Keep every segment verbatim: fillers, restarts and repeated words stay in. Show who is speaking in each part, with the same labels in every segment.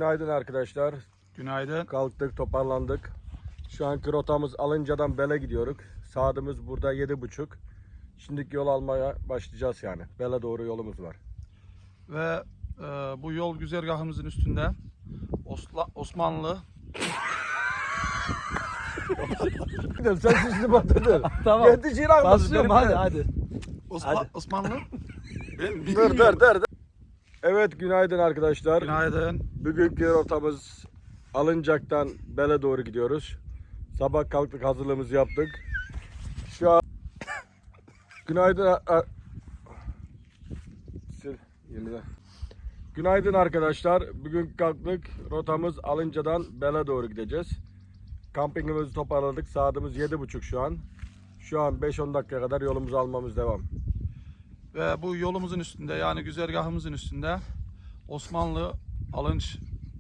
Speaker 1: günaydın arkadaşlar.
Speaker 2: Günaydın.
Speaker 1: Kalktık, toparlandık. Şu anki rotamız Alınca'dan Bel'e gidiyoruz. Saatimiz burada yedi buçuk. Şimdiki yol almaya başlayacağız yani. Bel'e doğru yolumuz var.
Speaker 2: Ve e, bu yol güzergahımızın üstünde Osla, Osmanlı
Speaker 1: Sen sesini batırdın.
Speaker 3: Tamam.
Speaker 1: Yetişin almasın.
Speaker 3: Başlıyorum hadi hadi.
Speaker 2: Osma,
Speaker 3: Hadi.
Speaker 2: Osmanlı. Ben
Speaker 1: Dur dur dur. dur. Evet günaydın arkadaşlar.
Speaker 2: Günaydın.
Speaker 1: Bugünkü rotamız Alıncak'tan Bel'e doğru gidiyoruz. Sabah kalktık, hazırlığımızı yaptık. Şu an günaydın a- a- Sil, yeniden. Günaydın arkadaşlar. Bugün kalktık. Rotamız Alınca'dan Bel'e doğru gideceğiz. Kampingimizi toparladık. Saatimiz yedi buçuk şu an. Şu an beş on dakika kadar yolumuzu almamız devam.
Speaker 2: Ve bu yolumuzun üstünde, yani güzergahımızın üstünde Osmanlı Alınç.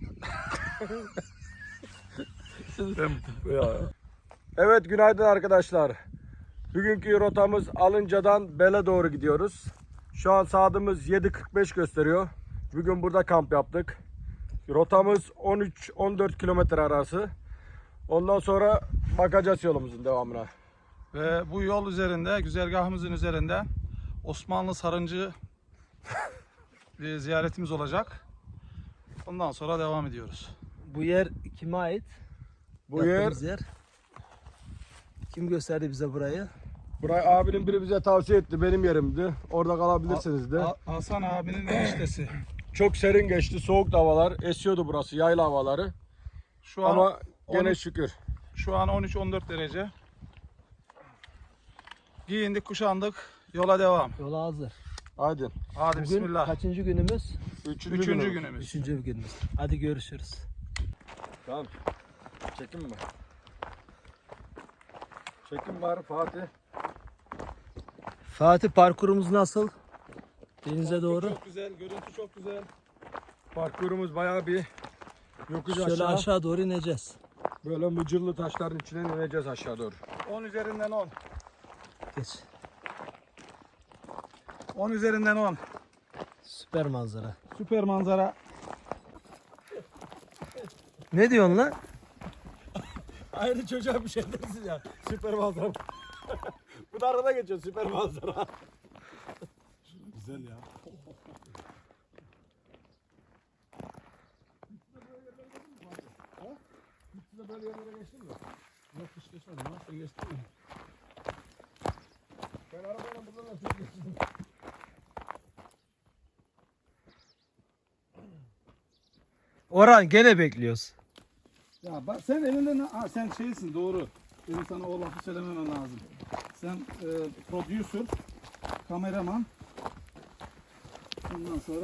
Speaker 2: Ben,
Speaker 1: Evet günaydın arkadaşlar. Bugünkü rotamız Alınca'dan Bel'e doğru gidiyoruz. Şu an saatimiz yedi kırk beş gösteriyor. Bugün burada kamp yaptık. Rotamız on üç on dört kilometre arası. Ondan sonra bakacağız yolumuzun devamına.
Speaker 2: ve bu yol üzerinde, güzergahımızın üzerinde Osmanlı Sarıncı bir ziyaretimiz olacak. Ondan sonra devam ediyoruz.
Speaker 3: Bu yer kime ait?
Speaker 1: Bu yer,
Speaker 3: Yaptığımız yer. Kim gösterdi bize burayı?
Speaker 1: burayı abinin biri bize tavsiye etti. Benim yerimdi. Orada kalabilirsiniz de.
Speaker 2: Ha- Hasan abinin eniştesi.
Speaker 1: Çok serin geçti. Soğuk havalar. Esiyordu burası. Yayla havaları.
Speaker 2: Şu an
Speaker 1: Ama gene
Speaker 2: on üç
Speaker 1: şükür.
Speaker 2: Şu an on üç on dört derece. Giyindik, kuşandık. Yola devam.
Speaker 3: Yola hazır.
Speaker 1: Hadi.
Speaker 2: Hadi
Speaker 3: Bugün
Speaker 2: bismillah.
Speaker 3: kaçıncı günümüz?
Speaker 1: Üçüncü,
Speaker 2: Üçüncü
Speaker 1: günümüz.
Speaker 2: günümüz.
Speaker 3: Üçüncü günümüz. Hadi görüşürüz.
Speaker 1: Tamam. Çekim mi? Çekim var Fatih.
Speaker 3: Fatih, parkurumuz nasıl? Denize doğru.
Speaker 2: Çok güzel, görüntü çok güzel.
Speaker 1: Parkurumuz bayağı bir yokuş
Speaker 3: Şöyle
Speaker 1: aşağı.
Speaker 3: aşağı doğru ineceğiz.
Speaker 1: Böyle mıcırlı taşların içine ineceğiz aşağı doğru.
Speaker 2: on üzerinden on.
Speaker 3: Geç.
Speaker 2: on üzerinden on.
Speaker 3: Süper manzara.
Speaker 2: Süper manzara.
Speaker 3: Ne diyorsun lan?
Speaker 1: Aynı çocuğa bir şey dersin ya. Süper manzara. Bu da arada geçiyor süper manzara.
Speaker 2: Güzel ya.
Speaker 1: Size böyle yerlere geçtin mi?
Speaker 2: Yok, hiç geçmedim. Nasıl geçtin mi?
Speaker 1: Ben arabayla buradan nasıl geçtim?
Speaker 3: Orhan, gene bekliyoruz.
Speaker 2: Ya bak, sen elinden, ha, sen şeysin, doğru. Benim sana o lafı söylememem lazım. Sen e, producer, kameraman. Ondan sonra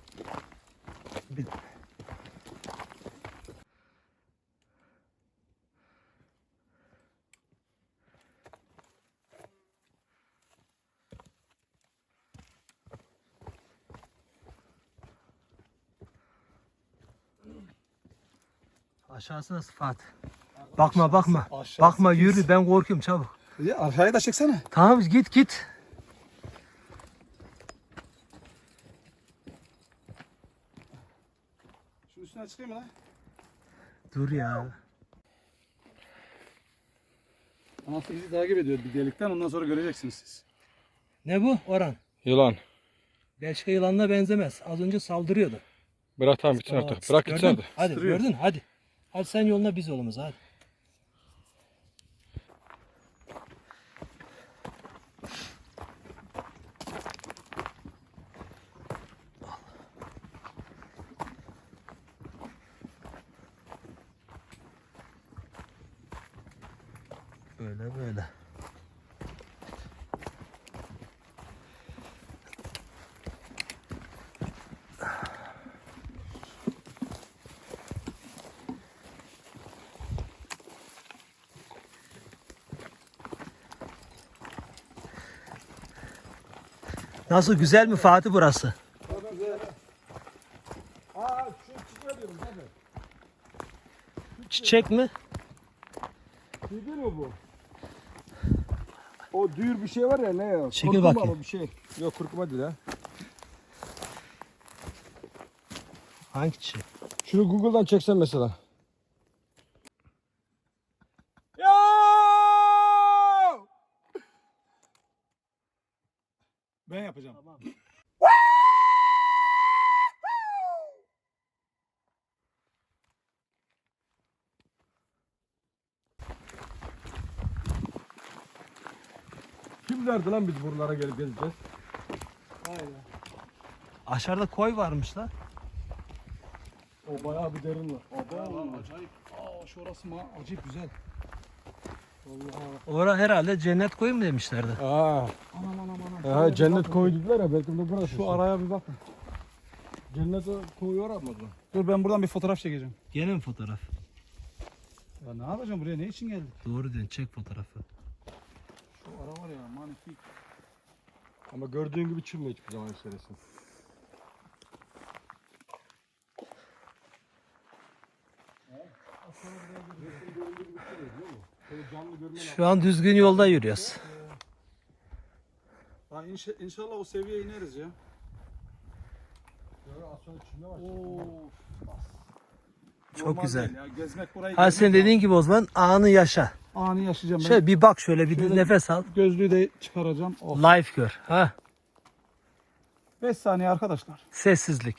Speaker 3: Aşağısı nasıl Fatih? Bakma bakma.
Speaker 2: aşağısı
Speaker 3: Bakma,
Speaker 2: pis.
Speaker 3: yürü, ben korkuyorum, çabuk.
Speaker 2: ya aşağıya da çeksene.
Speaker 3: Tamam, git git.
Speaker 2: Şunun üstüne çıkayım mı lan?
Speaker 3: Dur ya.
Speaker 2: Anası bizi takip ediyor bir delikten, ondan sonra göreceksiniz siz.
Speaker 3: Ne bu Orhan?
Speaker 1: Yılan.
Speaker 3: Belçika yılanına benzemez. Az önce saldırıyordu.
Speaker 1: Bırak tamam gitsin
Speaker 3: Aa,
Speaker 1: artık. Bırak gitsin
Speaker 3: gördün?
Speaker 1: hadi.
Speaker 3: Hadi
Speaker 2: Sürüyor.
Speaker 3: gördün, hadi. Hadi sen yoluna, biz yolumuza, hadi. Böyle böyle. Nasıl, güzel mi Fatih burası?
Speaker 1: Aa şu çiçeğe diyorum zaten.
Speaker 3: Çiçek mi?
Speaker 1: Şey değil mi bu? O düğür bir şey var ya, ne ya?
Speaker 3: Çekil
Speaker 1: Kurkuma
Speaker 3: bakayım.
Speaker 1: mı bir şey? Yok kurkuma değil ha.
Speaker 3: Hangi çiçek?
Speaker 1: Şunu Google'dan çeksen mesela. Ya!
Speaker 2: Ben yapacağım.
Speaker 3: Tamam.
Speaker 1: Kim derdi lan biz buralara gelip gezeceğiz?
Speaker 3: Aynen. Aşağıda koy varmış lan.
Speaker 1: O bayağı bir derin var.
Speaker 2: Aba lan acayip. Aa şurası ma acayip güzel.
Speaker 3: Orada herhalde cennet koyu mu demişlerdi.
Speaker 1: Aa,
Speaker 2: Anam anam anam.
Speaker 1: ha, cennet koyu dediler ya, belki de burası.
Speaker 2: Şu araya bir bakın.
Speaker 1: Cennet koyu var mı?
Speaker 2: Dur ben buradan bir fotoğraf çekeceğim.
Speaker 3: Gene mi fotoğraf?
Speaker 2: Ya ne yapacağım buraya, ne için geldik?
Speaker 3: Doğru diyorsun, çek fotoğrafı.
Speaker 2: Şu ara var ya manifik.
Speaker 1: Ama gördüğün gibi çürme hiçbir zaman içerisin.
Speaker 3: Şu an düzgün yolda yürüyoruz.
Speaker 2: Ha, inşa, inşallah o seviyeye ineriz ya. Oo.
Speaker 3: Çok
Speaker 2: Normal
Speaker 3: güzel.
Speaker 2: değil ya. Gezmek burayı
Speaker 3: Ha
Speaker 2: gezmek
Speaker 3: sen dediğin gibi o zaman anı yaşa.
Speaker 2: lazım. Anı yaşayacağım ben.
Speaker 3: Şöyle bir bak, şöyle bir
Speaker 2: Şöyle-
Speaker 3: nefes al.
Speaker 2: Gözlüğü de çıkaracağım. Oh.
Speaker 3: Live gör. Ha,
Speaker 2: beş saniye arkadaşlar.
Speaker 3: sessizlik.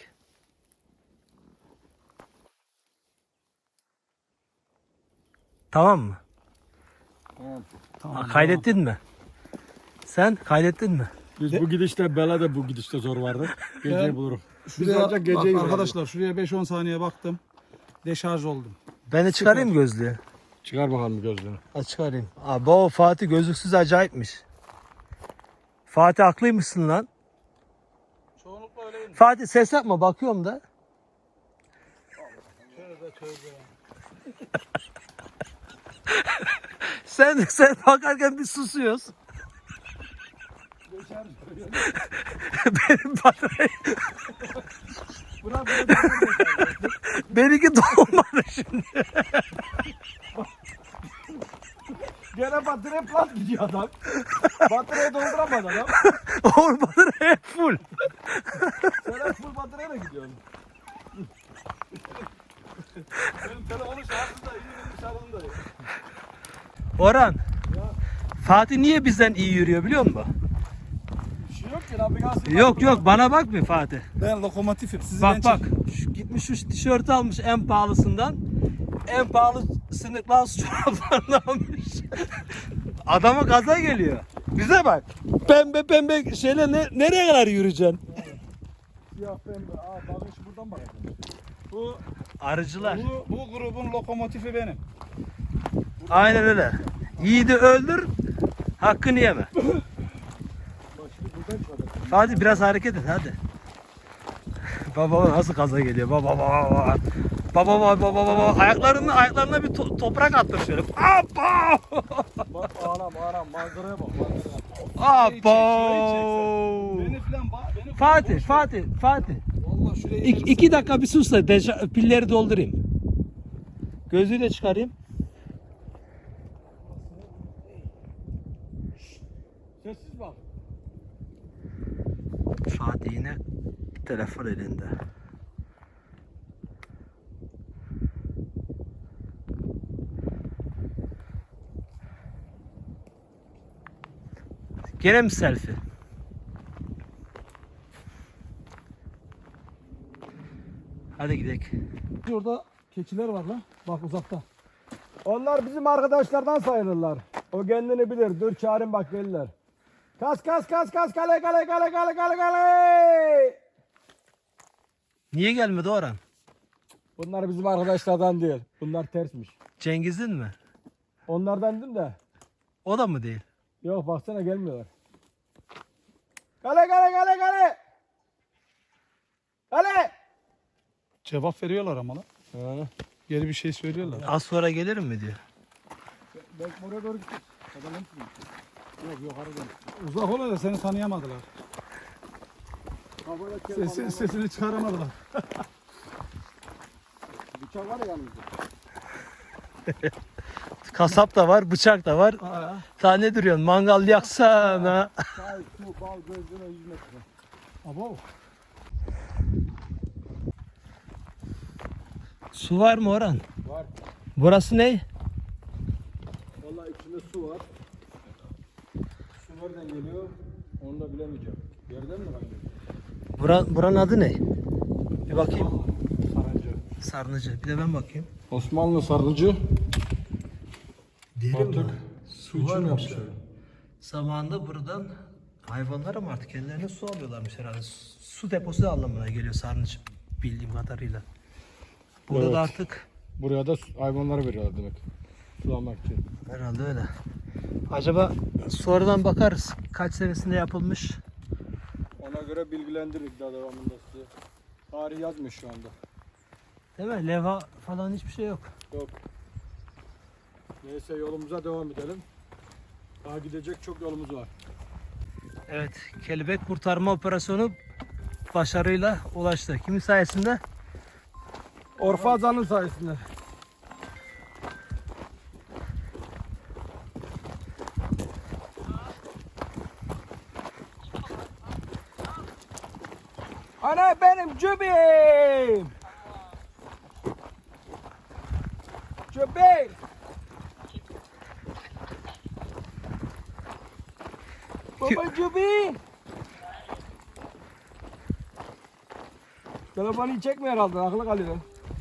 Speaker 3: Tamam mı?
Speaker 1: Tamam.
Speaker 2: Tamam.
Speaker 3: Ha, kaydettin mi? Sen kaydettin mi?
Speaker 1: Biz
Speaker 2: De-
Speaker 1: bu gidişte, Bela da bu gidişte zor vardı. Geceyi
Speaker 2: Ben-
Speaker 1: bulurum.
Speaker 2: Şuraya,
Speaker 1: ancak
Speaker 2: bak
Speaker 1: geceyi
Speaker 2: arkadaşlar şuraya beş on saniye baktım. Deşarj oldum.
Speaker 3: Ben de çıkarayım gözlüğü.
Speaker 1: Çıkar bakalım gözlüğünü.
Speaker 3: Ha, çıkarayım. Abi o Fatih gözlüksüz acayipmiş. Fatih haklıymışsın lan.
Speaker 2: Çoğunlukla öyleyim.
Speaker 3: Fatih ses yapma, bakıyorum da.
Speaker 2: Tövbe tövbe.
Speaker 3: Sen sen bakarken biz susuyoruz.
Speaker 2: Deşarj.
Speaker 3: Benim batarya,
Speaker 2: Bırak bırak.
Speaker 3: benimki dolmadı şimdi.
Speaker 1: Gene batarya plat gidiyor adam. Bataryayı dolduramadı adam.
Speaker 3: Oğlum batarya hep full.
Speaker 1: Sen hep full bataryayla gidiyorsun.
Speaker 2: Benim telefonun şarjı da iyi, benim şarjım da iyi.
Speaker 3: Orhan. Fatih niye bizden iyi yürüyor biliyor musun?
Speaker 1: Bir şey yok ki, navigasyon.
Speaker 3: Yok yok, bana bak bir Fatih.
Speaker 2: Ben lokomotifim. Sizi
Speaker 3: Bak
Speaker 2: ben
Speaker 3: bak.
Speaker 2: çek-
Speaker 3: Şu, gitmiş şu tişörtü almış en pahalısından. En pahalı sınıklı çoraplarını almış. Adama gaza geliyor. Bize bak. Pembe pembe şeyle ne, nereye kadar yürüyeceksin?
Speaker 1: Siyah pembe. Aa, bakın şu buradan bakacağım.
Speaker 2: Bu,
Speaker 3: Arıcılar.
Speaker 2: bu, bu grubun lokomotifi benim.
Speaker 3: Aynen öyle. Yiğidi öldür, hakkını yeme.
Speaker 1: Bak şimdi buradan çıkacak.
Speaker 3: Fatih biraz hareket et hadi. Baba nasıl gaza geliyor? Baba baba baba. Baba baba baba baba. Ayaklarını ayaklarına bir to- toprak attır şöyle. Abba!
Speaker 1: Bak anam anam, manzaraya bak, manzaraya.
Speaker 3: Abba!
Speaker 2: Beni falan bak. Beni
Speaker 3: Fatih, Fatih, Fatih.
Speaker 2: Vallahi şuraya
Speaker 3: İki,
Speaker 2: ineriz.
Speaker 3: iki dakika bir sus da deja- pilleri doldurayım. Gözlüğü de çıkarayım.
Speaker 1: Sessiz bak.
Speaker 3: Fatih yine telefon elinde. Gene mi selfie? Hadi gidelim.
Speaker 2: Orada keçiler var lan. Bak uzakta.
Speaker 1: Onlar bizim arkadaşlardan sayılırlar. O kendini bilir. Dur çağırın bak, gelirler. Kas kas kas kas, kale kale kale kale kale kale.
Speaker 3: Niye gelmedi Orhan?
Speaker 1: Bunlar bizim arkadaşlardan değil. Bunlar tersmiş.
Speaker 3: Cengiz'in mi?
Speaker 1: Onlardan dedim de.
Speaker 3: O da mı değil?
Speaker 1: Yok baksana, gelmiyorlar. Kale kale kale kale. Kale.
Speaker 2: Cevap veriyorlar ama lan.
Speaker 1: Ha.
Speaker 2: Geri bir şey söylüyorlar.
Speaker 3: Az sonra gelirim mi diyor.
Speaker 1: Belki oraya doğru gittik. Adam hepsi. Yok yok, aradan.
Speaker 2: Uzak ol da seni tanıyamadılar. Sesi, sesini çıkaramadılar.
Speaker 1: Bıçak var ya yanımızda.
Speaker 3: Kasap da var, bıçak da var.
Speaker 2: Aa,
Speaker 3: Sen ne duruyorsun? Mangal yaksana.
Speaker 1: Çay, su, bal, gözleme yüz metre.
Speaker 2: abo.
Speaker 3: Su var mı Orhan?
Speaker 1: Var.
Speaker 3: Burası ne?
Speaker 1: Vallahi içinde su var. Su nereden geliyor? Onu da bilemeyeceğim. Yerden mi kaynıyor?
Speaker 3: Bura, buranın adı ne? Bir bakayım.
Speaker 1: Sarıcı.
Speaker 3: Sarnıcı. Bir de ben bakayım.
Speaker 1: Osmanlı sarıcı.
Speaker 3: Derin
Speaker 1: Artık
Speaker 3: mi?
Speaker 1: su için
Speaker 3: varmış.
Speaker 1: yapmışlar.
Speaker 3: Zamanında buradan hayvanlara mı artık kendilerine su alıyorlarmış herhalde. Su su deposu anlamına geliyor sarnıç bildiğim kadarıyla. Burada
Speaker 1: Evet.
Speaker 3: da artık
Speaker 1: Buraya da su- hayvanlara veriyorlar demek. Sulamak için.
Speaker 3: herhalde öyle. Acaba sonradan bakarız kaç senesinde yapılmış.
Speaker 1: Ona göre bilgilendiririk daha devamında size. Tarih yazmış şu anda.
Speaker 3: Değil mi? Leva falan hiçbir şey yok.
Speaker 1: Yok. Neyse yolumuza devam edelim. Daha gidecek çok yolumuz var.
Speaker 3: Evet, kelebek kurtarma operasyonu başarıyla ulaştı. Kimin sayesinde?
Speaker 1: Orfazan'ın sayesinde. Ana benim cübeyim. Cübeyim. Baba cübeyim. Telefonu çekmiyor herhalde, aklı kalıyor.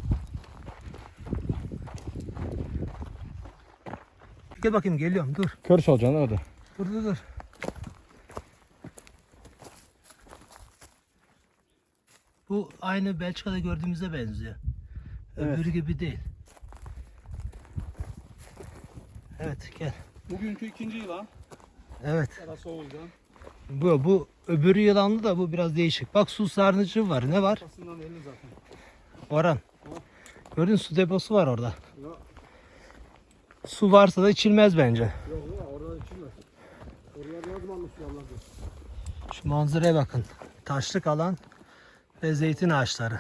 Speaker 3: Gel bakayım, geliyorum, dur.
Speaker 1: Kör salacaksın hadi.
Speaker 3: Dur dur dur. Bu aynı Belçika'da gördüğümüze benziyor.
Speaker 1: Evet.
Speaker 3: Öbürü gibi değil. Evet, gel.
Speaker 2: Bugünkü ikinci yılan.
Speaker 3: Evet.
Speaker 2: Arası Oğuz'dan.
Speaker 3: Bu bu öbürü yılanlı da bu biraz değişik. Bak su sarnıcı var. Ne var?
Speaker 2: Kafasından belli zaten.
Speaker 3: Orhan. Gördün mü, su deposu var orada.
Speaker 1: Ya,
Speaker 3: Su varsa da içilmez bence.
Speaker 1: yok ya oradan içilmez. Oraya yazmamış Allah'ım.
Speaker 3: Şu manzaraya bakın. Taşlık alan ve zeytin ağaçları.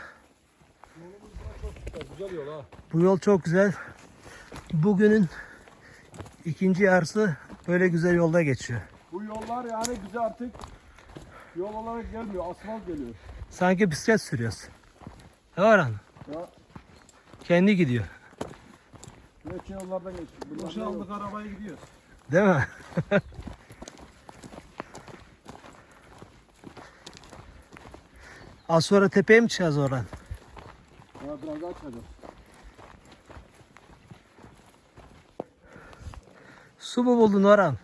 Speaker 1: Güzel yol ha.
Speaker 3: Bu yol çok güzel. Bugünün ikinci yarısı böyle güzel yolda geçiyor.
Speaker 1: Bu yollar yani bize artık yol olarak gelmiyor, asfalt geliyor.
Speaker 3: Sanki bisiklet sürüyoruz. Ne var lan?
Speaker 1: Ya
Speaker 3: Kendi gidiyor.
Speaker 1: geç yollardan geçiyor.
Speaker 2: Boşa aldık arabaya gidiyoruz.
Speaker 3: Değil mi? Az sonra tepeye mi çıkacağız oradan?
Speaker 1: Ya biraz daha çıkacağız.
Speaker 3: Su mu buldun Orhan?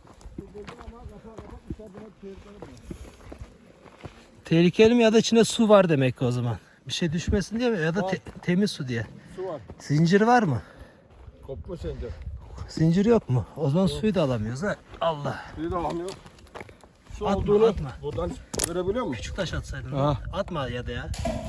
Speaker 3: Tehlikeli mi ya da içinde su var demek ki o zaman. Bir şey düşmesin diye mi ya da te- temiz su diye.
Speaker 1: Su var.
Speaker 3: Zinciri var mı?
Speaker 1: Kopma sence.
Speaker 3: Zinciri yok mu? O zaman suyu da alamıyoruz ha. Allah.
Speaker 1: Bir de alamıyor. Su
Speaker 3: Atma,
Speaker 1: olduğunu
Speaker 3: atma.
Speaker 1: buradan görebiliyor musun?
Speaker 3: Küçük taş atsaydın.
Speaker 1: Ha.
Speaker 3: Atma ya da ya.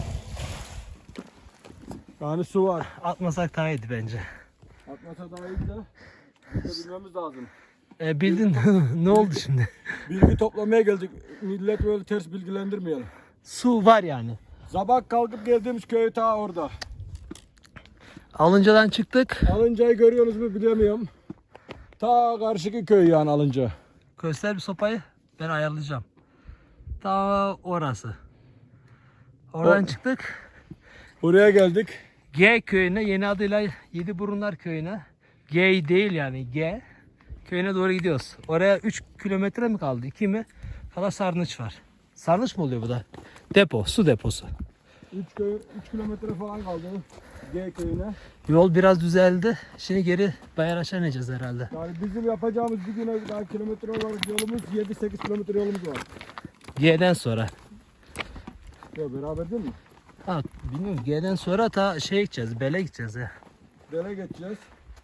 Speaker 1: Yani su var.
Speaker 3: Atmasak daha iyiydi bence.
Speaker 1: Atmasa daha iyi de biz de bilmemiz lazım.
Speaker 3: E, bildin ne oldu şimdi?
Speaker 1: Bilgi toplamaya geldik. Millet böyle ters bilgilendirmeyelim.
Speaker 3: Su var yani.
Speaker 1: Sabah kalkıp geldiğimiz köy ta orada.
Speaker 3: Alıncadan çıktık.
Speaker 1: Alınca'yı görüyorsunuz mu bilemiyorum. Ta karşıki köy yani Alınca.
Speaker 3: Göster bir sopayı. Ben ayarlayacağım. Ta orası. Oradan
Speaker 1: O-
Speaker 3: çıktık.
Speaker 1: Buraya geldik.
Speaker 3: G köyüne, yeni adıyla Yediburunlar köyüne. G değil yani G köyüne doğru gidiyoruz. Oraya üç kilometre mi kaldı? iki mi? Kala sarnıç var. Sarnıç mı oluyor bu da? Depo, su deposu.
Speaker 1: üç köy üç kilometre falan kaldı G köyüne.
Speaker 3: Yol biraz düzeldi. Şimdi geri Bayraş'a ineceğiz herhalde.
Speaker 1: Yani bizim yapacağımız bir güne daha kilometre olarak yolumuz yedi sekiz kilometre yolumuz var.
Speaker 3: G'den sonra.
Speaker 1: Ya beraber değil mi?
Speaker 3: Ha, bilmiyorum, G'den sonra ta şey gideceğiz, Bele gideceğiz ya.
Speaker 1: Dere geçeceğiz.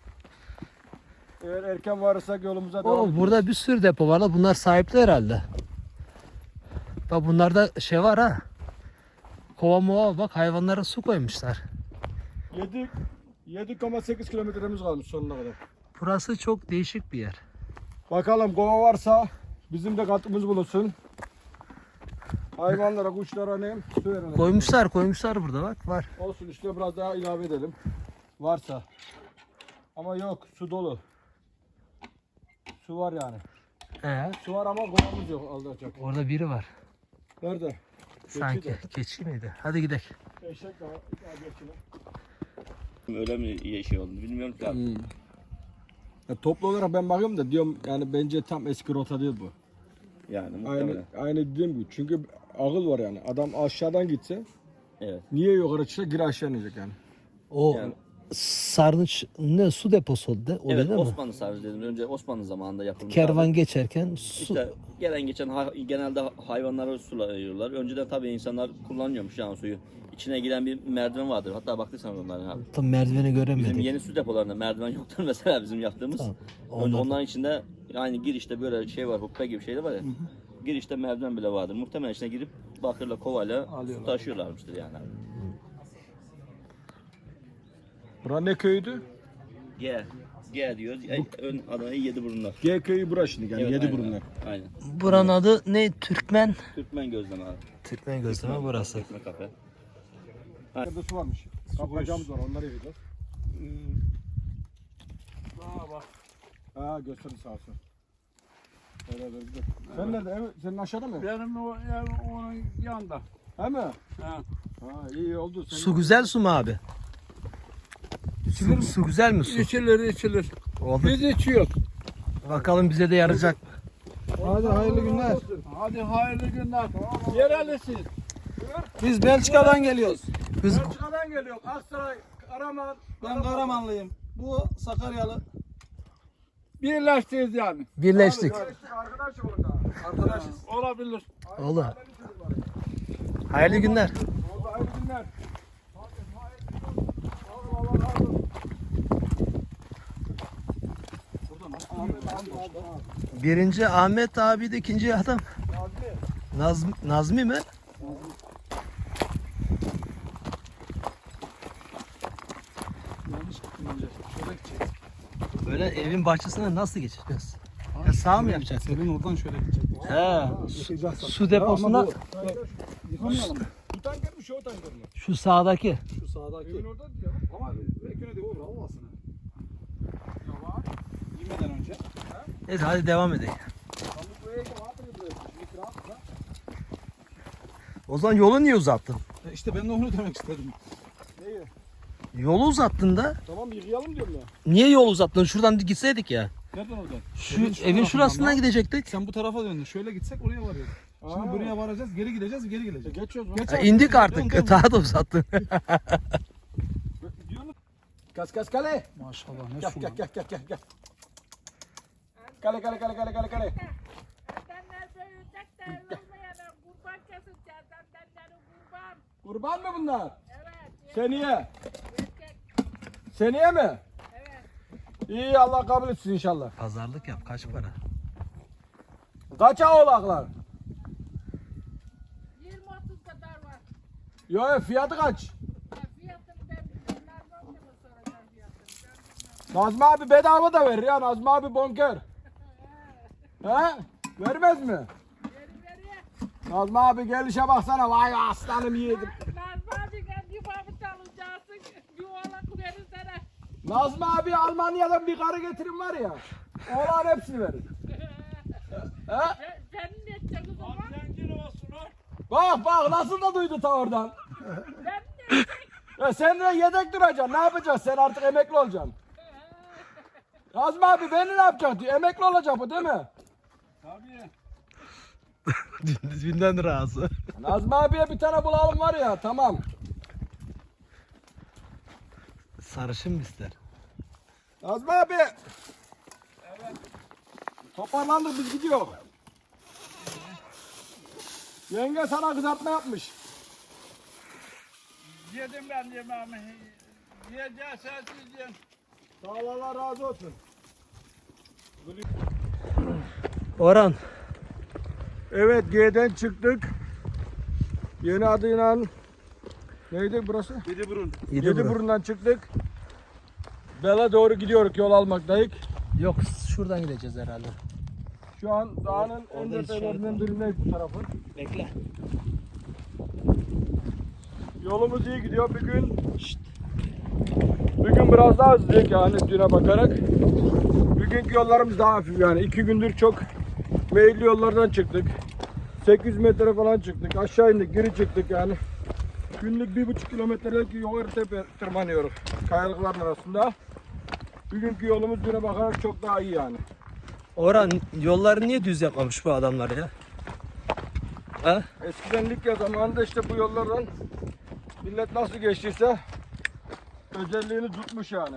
Speaker 1: Eğer erken varırsak yolumuza devam
Speaker 3: Oo,
Speaker 1: edeceğiz.
Speaker 3: burada bir sürü depo var la. Bunlar sahipli herhalde. Bak bunlarda şey var ha. Kova mova, bak hayvanlara su koymuşlar.
Speaker 1: yedi virgül sekiz kilometremiz kalmış sonuna kadar.
Speaker 3: Burası çok değişik bir yer.
Speaker 1: Bakalım kova varsa bizim de katkımız bulunsun. Hayvanlara, kuşlara ne? Su verelim.
Speaker 3: Koymuşlar, koymuşlar burada bak, var.
Speaker 1: Olsun işte biraz daha ilave edelim. Varsa. Ama yok, su dolu. Su var yani.
Speaker 3: Ee,
Speaker 1: Su var ama kovamız yok alacak.
Speaker 3: orada biri var.
Speaker 1: Nerede?
Speaker 3: Sanki
Speaker 1: de.
Speaker 3: keçi miydi? Hadi gidelim.
Speaker 1: Eşek daha, daha geçine.
Speaker 4: Öyle mi şey oldu bilmiyorum ki abi.
Speaker 1: Hmm. Ya toplu olarak ben bakıyorum da diyorum yani bence tam eski rota değil bu.
Speaker 4: Yani
Speaker 1: Aynı
Speaker 4: muhtemelen.
Speaker 1: aynı dediğim gibi. Çünkü akıl var yani. Adam aşağıdan gitse
Speaker 4: Evet.
Speaker 1: niye yukarı çıksa geri aşağı inecek yani.
Speaker 3: O
Speaker 4: Yani-
Speaker 3: sarnıç ne su deposu oldu de, o
Speaker 4: Evet,
Speaker 3: değil mi?
Speaker 4: Osmanlı sarnıcı dedim. Önce Osmanlı zamanında yapılmış.
Speaker 3: Kervan
Speaker 4: abi.
Speaker 3: geçerken su.
Speaker 4: İşte gelen geçen hay- genelde hayvanlara sulayıyorlar. Önceden tabii insanlar kullanıyormuş yani suyu. İçine giren bir merdiven vardır. Hatta baktıysan onların abi.
Speaker 3: Tam merdiveni
Speaker 4: Bizim
Speaker 3: göremedik.
Speaker 4: yeni su depolarında merdiven yoktur mesela bizim yaptığımız.
Speaker 3: Tamam.
Speaker 4: Önce
Speaker 3: Ondan-
Speaker 4: onların içinde yani girişte böyle şey var, hukka gibi şeyler var ya. Girişte merdiven bile vardır. Muhtemelen içine girip bakırla kovayla su taşıyorlarmıştır yani abi.
Speaker 1: Bura ne köyüydü?
Speaker 4: G. G diyoruz. Ay, ön adına yedi burunlar.
Speaker 1: G köyü bura şimdi yani
Speaker 4: Evet,
Speaker 1: yedi
Speaker 4: aynen,
Speaker 1: burunlar.
Speaker 4: Aynen.
Speaker 3: Buranın adı ne? Türkmen.
Speaker 4: Türkmen gözleme abi.
Speaker 3: Türkmen gözleme burası.
Speaker 4: Türkmen kafe.
Speaker 1: Burada su varmış. Kapacağımız var onları yiyeceğiz.
Speaker 2: Aa bak.
Speaker 1: Ha gösterdi sağ olsun. Öyle öyle güzel. Sen nerede? Ev, senin aşağıda mı?
Speaker 2: Benim o ev onun yanında.
Speaker 1: He mi?
Speaker 2: Ha.
Speaker 1: Ha iyi oldu. Senin...
Speaker 3: Su güzel su mu abi? Su, su güzel mi su?
Speaker 2: İçilir içilir.
Speaker 3: Oldu.
Speaker 2: Biz içiyoruz.
Speaker 3: Bakalım bize de yarayacak.
Speaker 1: Hadi hayırlı günler.
Speaker 2: Hadi hayırlı günler. Yerelisiz.
Speaker 5: Biz Belçika'dan geliyoruz.
Speaker 3: Biz
Speaker 1: Belçika'dan geliyorum. Aksaray, Karaman.
Speaker 5: Ben Karamanlıyım. Bu Sakaryalı.
Speaker 2: Birleştiyiz yani.
Speaker 3: birleştik.
Speaker 1: Arkadaşım orada.
Speaker 5: Arkadaşız.
Speaker 2: Olabilir.
Speaker 3: Olur. Hayırlı günler.
Speaker 1: Oldu hayırlı günler.
Speaker 3: Birinci Ahmet abi de ikinci adam. Nazmi, Nazmi mi?
Speaker 5: Yanlış gittim önce. Şöyle gideceğiz.
Speaker 3: Böyle evin bahçesine nasıl geçeceğiz? Ya sağ mı yapacağız?
Speaker 5: Senin oradan şöyle gidecek.
Speaker 3: He. Su deposuna
Speaker 5: Yıkamayalım.
Speaker 1: Bu tanker mi? Şu tanker mi?
Speaker 3: şu sağdaki.
Speaker 5: Şu sağdaki.
Speaker 1: Evin orada diyor.
Speaker 5: Ama bekle de olur olmasın.
Speaker 1: Tamam.
Speaker 5: Yemeden önce.
Speaker 3: Neyse hadi devam edelim. O zaman yolu niye uzattın?
Speaker 5: E işte ben de onu demek istedim.
Speaker 1: Neyi?
Speaker 3: Yolu uzattın da.
Speaker 1: Tamam yıkayalım diyorum ya.
Speaker 3: Niye yol uzattın? Şuradan gitseydik ya.
Speaker 5: Nereden oradan?
Speaker 3: Şu
Speaker 5: Evin şu
Speaker 3: evin şurasından
Speaker 5: tarafından.
Speaker 3: gidecektik.
Speaker 5: Sen bu tarafa döndün. Şöyle gitsek oraya varıyoruz. Şimdi
Speaker 1: Aa.
Speaker 5: buraya varacağız, geri gideceğiz, geri geleceğiz.
Speaker 1: Geçiyoruz.
Speaker 5: Geç
Speaker 3: Ha,
Speaker 5: abi.
Speaker 3: indik
Speaker 5: Dön,
Speaker 3: artık.
Speaker 5: dön.
Speaker 3: Daha da uzattın.
Speaker 1: Kas kas kale.
Speaker 5: Maşallah ne
Speaker 1: Gel
Speaker 5: su
Speaker 1: gel
Speaker 5: lan.
Speaker 1: gel gel gel gel. Kale kale kale kale kale kale.
Speaker 6: Edenler büyüyecek de olmayana kurban keseceğiz. Edenlerin kurban.
Speaker 1: Kurban mı bunlar?
Speaker 6: Evet.
Speaker 1: Seneye.
Speaker 6: Erkek.
Speaker 1: Seneye mi?
Speaker 6: Evet.
Speaker 1: İyi Allah kabul etsin inşallah.
Speaker 3: Pazarlık yap. Kaç para?
Speaker 1: Kaça oğlaklar?
Speaker 6: yirmi otuz kadar var.
Speaker 1: Yo yo, fiyatı kaç?
Speaker 6: Ha, fiyatını ben bilmem. Nereden mi soracağım fiyatını? Ben bilmem.
Speaker 1: Nazmi abi bedava da verir ya. Nazmi abi bonkör. He? Vermez mi?
Speaker 6: Veri veri.
Speaker 1: Nazmi abi gelişe baksana. Vay aslanım yiğidim.
Speaker 6: Nazmi abi gel yuvamı çalacaksın. Yuvalak verirsene.
Speaker 1: Nazmi abi Almanya'dan bir karı getirin var ya. Oğlan hepsini verir. He?
Speaker 6: Sen, sen ne edeceksin o zaman?
Speaker 1: Bak bak nasıl da duydu ta oradan.
Speaker 6: Ben ne edeceksin?
Speaker 1: Ya sen de yedek duracaksın. Ne yapacaksın? Sen artık emekli olacaksın. Nazmi abi beni ne yapacak diyor. Emekli olacak bu değil mi?
Speaker 2: Tabii.
Speaker 3: Dünden razı.
Speaker 1: Nazmi abiye bir tane bulalım var ya tamam.
Speaker 3: Sarışın mı ister?
Speaker 1: Nazmi abi. Evet. Toparlandık biz gidiyor. Yenge sana kızartma yapmış.
Speaker 2: Yedim ben yemeğimi. Yiyeceğiz sensiz yiyin.
Speaker 1: Sağ ol Allah razı olsun.
Speaker 3: Orhan.
Speaker 1: Evet G'den çıktık. Yeni adıyla neydi burası?
Speaker 2: Yediburun.
Speaker 1: Yediburun'dan çıktık. Bela doğru gidiyoruz yol almaktayız.
Speaker 3: Yok şuradan gideceğiz herhalde.
Speaker 1: Şu an dağın en
Speaker 3: orada
Speaker 1: tepelerinden birindeyiz bu tarafı.
Speaker 3: Bekle.
Speaker 1: Yolumuz iyi gidiyor bir gün. Bugün biraz daha hızlıyız yani düne bakarak. Bugünkü yollarımız daha hafif yani. iki gündür çok meyilli yollardan çıktık. sekiz yüz metre falan çıktık. Aşağı indik, geri çıktık yani. Günlük bir buçuk kilometrelik yukarı tepe tırmanıyoruz kayalıkların arasında. Bugünkü yolumuz güne bakarak çok daha iyi yani.
Speaker 3: Orhan yolları niye düz yapmamış bu adamlar ya? Ha?
Speaker 1: Eskiden Likya zamanında işte bu yollardan millet nasıl geçtiyse özelliğini tutmuş yani.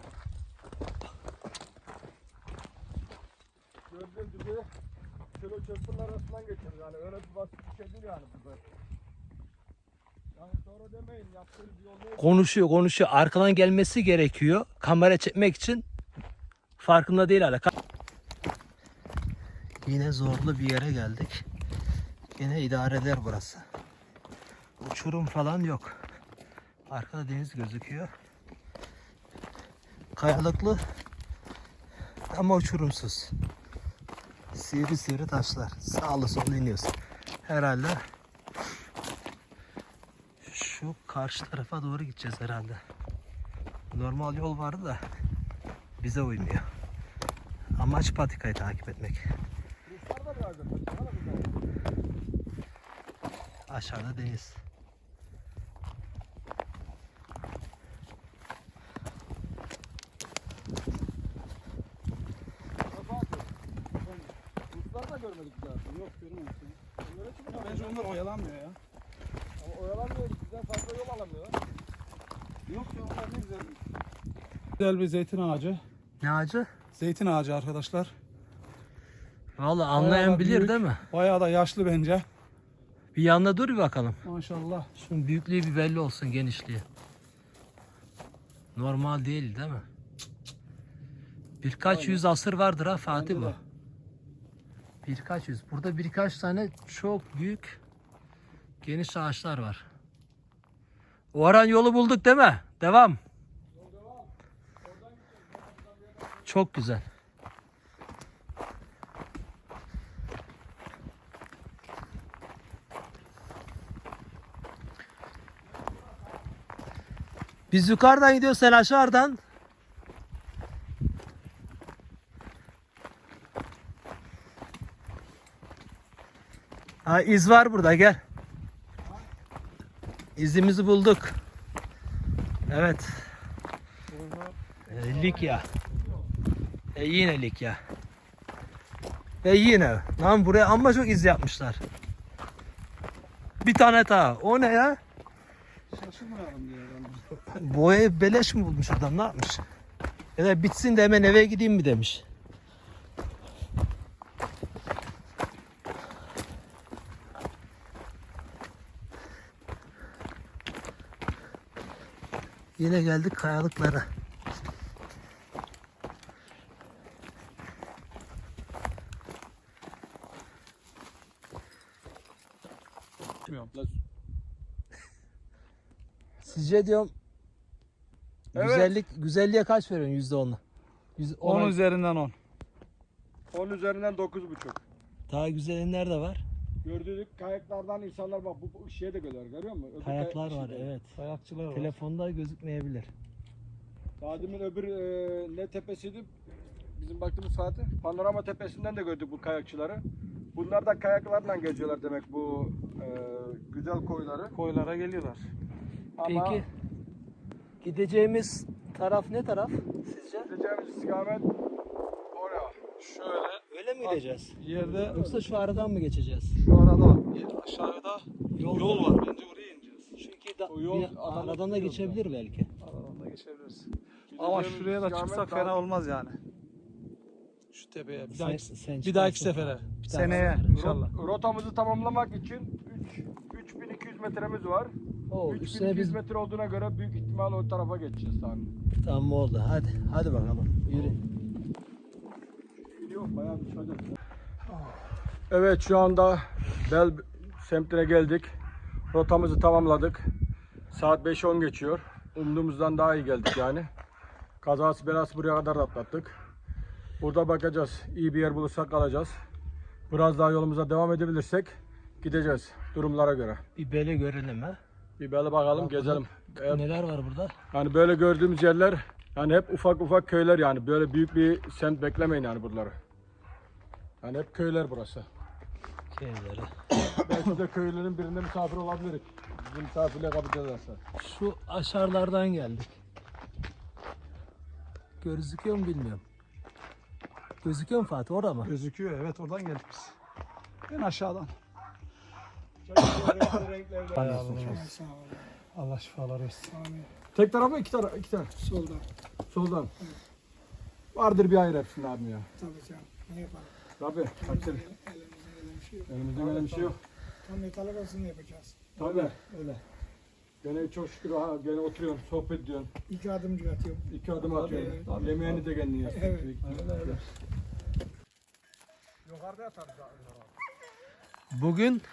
Speaker 1: Gördüğünüz gibi şöyle çöpün arasından geçiyoruz yani öyle bir basit bir şey değil yani bu. Yani sonra demeyin yaptığınız yol değil.
Speaker 3: Konuşuyor konuşuyor. Arkadan gelmesi gerekiyor. Kamera çekmek için. Farkında değil hala. Yine zorlu bir yere geldik. Yine idare eder burası. Uçurum falan yok. Arkada deniz gözüküyor. Kayalıklı ama uçurumsuz. Sivri sivri taşlar. Sağlı sollu iniyorsun. Herhalde şu karşı tarafa doğru gideceğiz herhalde. Normal yol vardı da bize uymuyor. Amaç patikayı takip etmek. Aşağıda deniz.
Speaker 1: Ruslar da görmedik zaten.
Speaker 2: Yok görmemişsin.
Speaker 1: Onlara çıkıyor.
Speaker 2: Bence onlar oyalanmıyor ya.
Speaker 1: Ama oyalanmıyor. Bizden fazla yol alamıyor.
Speaker 2: Yok ya onlar ne güzel. Güzel bir zeytin ağacı.
Speaker 3: Ne ağacı?
Speaker 2: Zeytin ağacı arkadaşlar.
Speaker 3: Vallahi
Speaker 2: Bayağı
Speaker 3: anlayan
Speaker 2: da
Speaker 3: bilir
Speaker 2: büyük,
Speaker 3: değil mi?
Speaker 2: Bayağı da yaşlı bence.
Speaker 3: Bir yanına dur bir bakalım.
Speaker 2: Maşallah.
Speaker 3: Şunun büyüklüğü bir belli olsun, genişliği. Normal değil değil mi? Birkaç
Speaker 2: Aynen.
Speaker 3: yüz asır vardır ha Fatih
Speaker 2: Bence
Speaker 3: bu.
Speaker 2: de.
Speaker 3: Birkaç yüz. Burada birkaç tane çok büyük geniş ağaçlar var. Orhan yolu bulduk değil mi? Devam. Çok güzel. Biz yukarıdan gidiyoruz, sen aşağıdan. Ha, iz var burada, gel. İzimizi bulduk. Evet. E, Likya. E yine Likya. E yine. Lan buraya amma çok iz yapmışlar. Bir tane daha. O ne ya?
Speaker 2: Şaşırmayalım diye herhalde.
Speaker 3: Boyayı beleş mi bulmuş adam, ne yapmış? Ya da bitsin de hemen eve gideyim mi demiş. Yine geldik kayalıklara. Sizce diyorum
Speaker 1: Evet.
Speaker 3: güzellik güzelliğe kaç veriyorsun yüzde onla? Yüz,
Speaker 2: on
Speaker 3: ona-
Speaker 2: üzerinden on.
Speaker 1: on üzerinden dokuz buçuk.
Speaker 3: Daha güzeli nerede var?
Speaker 1: Gördüğünüz kayaklardan insanlar bak bu, bu şeye de görüyor, görüyor musun? Öbür
Speaker 3: Kayaklar
Speaker 1: kayak-
Speaker 3: var,
Speaker 1: şey-
Speaker 3: evet.
Speaker 2: Kayakçılar var.
Speaker 3: Telefonda gözükmeyebilir.
Speaker 1: Daha demin öbür e, ne tepesiydi? Bizim baktığımız Fatih. Panorama tepesinden de gördük bu kayakçıları. Bunlar da kayaklarla geziyorlar demek bu e, güzel koyları.
Speaker 2: Koylara geliyorlar.
Speaker 1: Ama
Speaker 3: Peki gideceğimiz taraf ne taraf sizce?
Speaker 1: gideceğimiz istikamet oraya.
Speaker 2: Şöyle
Speaker 3: Öyle mi gideceğiz?
Speaker 2: yerde
Speaker 3: Yoksa şu aradan mı geçeceğiz?
Speaker 2: şu arada aşağıda
Speaker 3: Yol,
Speaker 2: yol var. Bence oraya ineceğiz.
Speaker 3: Çünkü da,
Speaker 1: O yol
Speaker 3: bir
Speaker 1: adamın
Speaker 3: aradan da
Speaker 1: yolu
Speaker 3: geçebilir belki.
Speaker 2: Aradan da geçebiliriz. Ama
Speaker 1: Gideceğimiz
Speaker 2: şuraya da
Speaker 1: istikamet
Speaker 2: çıksak
Speaker 1: daha-
Speaker 2: fena olmaz yani. Şu tepeye. Bir
Speaker 3: Sen-
Speaker 2: dahaki,
Speaker 3: sen
Speaker 2: bir dahaki
Speaker 3: çıkarsın.
Speaker 2: sefere.
Speaker 3: Bir dahaki
Speaker 2: Seneye
Speaker 3: sefere.
Speaker 2: inşallah.
Speaker 1: Rot- rotamızı tamamlamak için üç bin iki yüz metremiz var.
Speaker 3: Oo,
Speaker 1: üç bin
Speaker 3: üstüne
Speaker 1: iki yüz
Speaker 3: biz
Speaker 1: metre olduğuna göre büyük ihtimal o tarafa geçeceğiz tamam.
Speaker 3: tamam oldu. Hadi hadi bakalım. Yürü.
Speaker 1: Yok bayağı bir çocuk. Evet şu anda Bel semtine geldik. Rotamızı tamamladık. Saat beş on geçiyor. Umduğumuzdan daha iyi geldik yani. Kazası belası buraya kadar atlattık. Burada bakacağız. İyi bir yer bulursak kalacağız. Biraz daha yolumuza devam edebilirsek gideceğiz durumlara göre.
Speaker 3: Bir bele görelim ha.
Speaker 1: Bir böyle bakalım
Speaker 3: Bak,
Speaker 1: gezelim. Eğer-
Speaker 3: Neler var burada?
Speaker 1: Yani böyle gördüğümüz yerler yani hep ufak ufak köyler yani. Böyle büyük bir semt beklemeyin yani buraları. Yani hep köyler burası.
Speaker 3: Köyleri.
Speaker 1: Belki de köylerin birinde misafir olabiliriz. Bizim misafirle kapı edersen.
Speaker 3: Şu aşağılardan geldik. Gözüküyor mu bilmiyorum. Gözüküyor mu Fatih? Orada mı?
Speaker 2: Gözüküyor, evet, oradan geldik biz. En aşağıdan.
Speaker 5: Allah şifalar versin.
Speaker 1: Tek taraf mı iki taraf? İki taraf.
Speaker 5: Soldan.
Speaker 1: Soldan. Vardır bir hayır hepsinde abim ya.
Speaker 5: Tabii canım. Ne yapalım?
Speaker 1: Tabii. Kaçır.
Speaker 5: Elimizin öyle bir şey yok.
Speaker 1: Elimizde öyle bir şey yok.
Speaker 5: Tam metal arasını yapacağız.
Speaker 1: Tabii. Öyle. Gene çok şükür ha, gene oturuyorsun, sohbet ediyorsun.
Speaker 5: İki adımcı atıyorum.
Speaker 1: İki adım atıyorsun.
Speaker 2: tabii.
Speaker 1: Yemeğini de kendin yiyorsun.
Speaker 5: Evet.
Speaker 1: Yukarıda yatarız.
Speaker 3: Bugün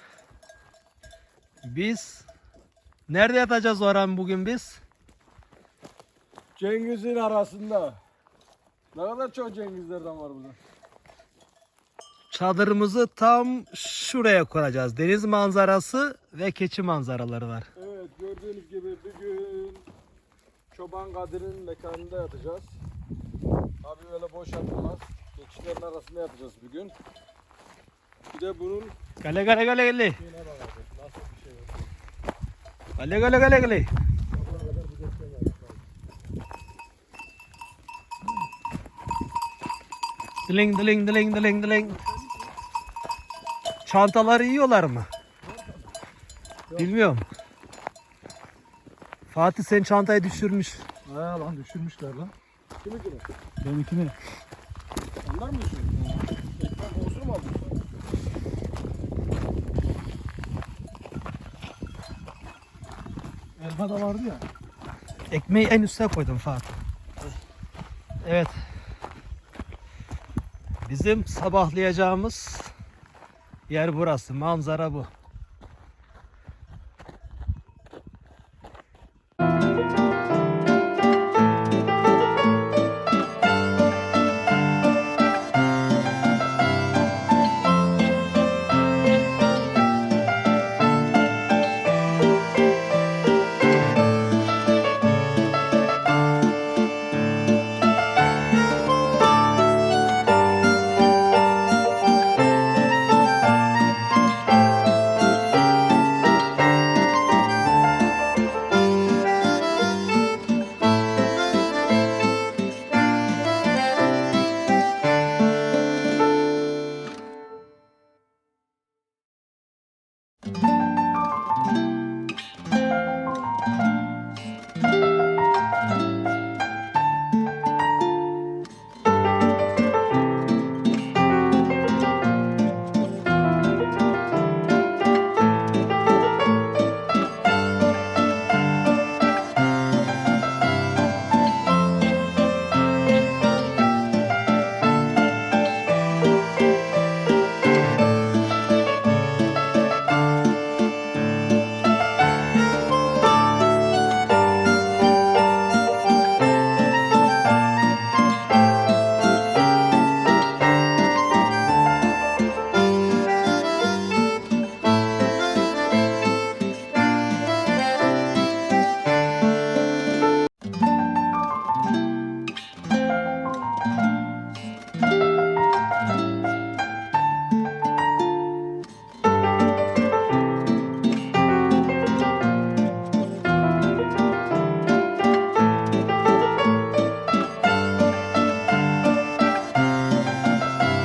Speaker 3: biz nerede yatacağız Orhan bugün biz?
Speaker 1: Cengiz'in arasında. Ne kadar çok Cengizlerden var burada.
Speaker 3: Çadırımızı tam şuraya kuracağız. Deniz manzarası ve keçi manzaraları var.
Speaker 1: Evet, gördüğünüz gibi bugün Çoban Kadir'in mekanında yatacağız. Abi öyle boş yatılmaz. Geçişlerin arasında yatacağız bugün. Bir de bunun
Speaker 3: Gale gale gale gale.
Speaker 1: şeyine bakacağız. Nasıl bir şey yok.
Speaker 3: Gale gale gale gale. Diling diling diling diling diling. Çantaları yiyorlar mı? Bilmiyorum. Fatih sen çantayı düşürmüş.
Speaker 2: He lan, düşürmüşler lan.
Speaker 1: Kimi kimi?
Speaker 2: Benimkini.
Speaker 1: Onlar mı düşüyor? Ekmek kokusunu mu aldın?
Speaker 2: Elma da vardı ya.
Speaker 3: Ekmeği en üste koydum Fatih. Evet. Bizim sabahlayacağımız yer burası. Manzara bu.